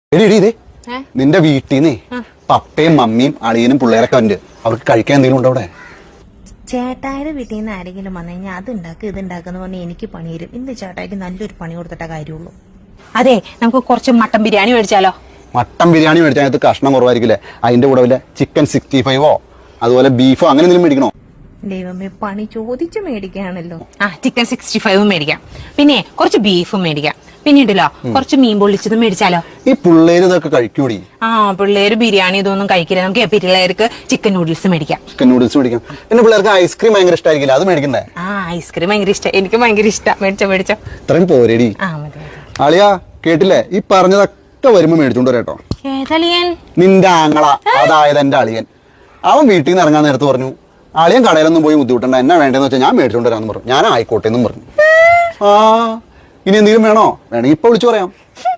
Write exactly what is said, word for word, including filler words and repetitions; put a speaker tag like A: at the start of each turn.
A: എടി എടി ഇതേ നിന്റെ വീട്ടിൽ നിന്നേ പപ്പയും മമ്മിയും അളിയനും പിള്ളേരൊക്കെ ഉണ്ട്. അവർക്ക് കഴിക്കാൻ എന്തെങ്കിലും ഉണ്ടോ അവിടെ?
B: ചേട്ടായുടെ വീട്ടിൽ നിന്ന് ആരെങ്കിലും വന്നു കഴിഞ്ഞാൽ അത് ഉണ്ടാക്കുക ഇത് ഉണ്ടാക്കുന്ന പറഞ്ഞാൽ എനിക്ക് പണി തരും. ഇന്ന് ചേട്ടായിക്ക് നല്ലൊരു പണി കൊടുത്തിട്ട കാര്യമുള്ളൂ.
C: അതെ, നമുക്ക് കുറച്ച് മട്ടൻ ബിരിയാണി മേടിച്ചാലോ?
A: മട്ടൻ ബിരിയാണി മേടിച്ചാൽ അതിനകത്ത് കഷ്ണം കുറവായിരിക്കില്ലേ? അതിന്റെ കൂടെ വല്ല ചിക്കൻ സിക്സ്റ്റി ഫൈവോ അതുപോലെ ബീഫോ അങ്ങനെ എന്തെങ്കിലും മേടിക്കണോ?
B: ദൈവമേ, പണി ചോദിച്ചു മേടിക്കുകയാണല്ലോ.
C: ആ, ചിക്കൻ സിക്സ്റ്റി ഫൈവും മേടിക്കാം. പിന്നെ കുറച്ച് ബീഫും മേടിക്കാം. പിന്നീടല്ലോ കുറച്ച് മീൻ പൊള്ളിച്ചതും മേടിച്ചാലോ?
A: ഈ പിള്ളേര് ഇതൊക്കെ കഴിക്കൂടി?
C: ആ, പിള്ളേര് ബിരിയാണി ഇതൊന്നും കഴിക്കില്ല. നമുക്ക് പിള്ളേർക്ക് ചിക്കൻ നൂഡിൽസ് മേടിക്കാം.
A: ചിക്കൻ നൂഡിൽസ് മേടിക്കാം. പിന്നെ പിള്ളേർക്ക് ഐസ്ക്രീം ഭയങ്കര ഇഷ്ടമായിരിക്കില്ല, അത് മേടിക്കണ്ടേ?
C: ആ, ഐസ്ക്രീം ഭയങ്കര ഇഷ്ടം. എനിക്ക് ഭയങ്കര ഇഷ്ടം. മേടിച്ചോ മേടിച്ചോ.
A: ഇത്രയും പോരേടി.
C: ആ, മതി.
A: അളിയാ കേട്ടില്ലേ? ഈ പറഞ്ഞതൊക്കെ വരുമ്പോ മേടിച്ചോണ്ട് വരാട്ടോ.
C: ഏതളിയൻ?
A: നിന്റെ ആങ്ങള, അതായത് എന്റെ അളിയൻ. അവൻ വീട്ടിൽ നിന്ന് ഇറങ്ങാൻ നേരത്ത് പറഞ്ഞു, അളിയൻ കടയിലൊന്നും പോയി ബുദ്ധിമുട്ടണ്ട, എന്നാ വേണ്ടെന്ന് വെച്ചാൽ ഞാൻ മേടിച്ചോണ്ട് വരാന്ന് പറഞ്ഞു. ഞാൻ ആയിക്കോട്ടെ എന്നും പറഞ്ഞു. ആ, ഇനി എന്തെങ്കിലും വേണോ? വേണമെങ്കിൽ ഇപ്പൊ വിളിച്ചു പറയാം.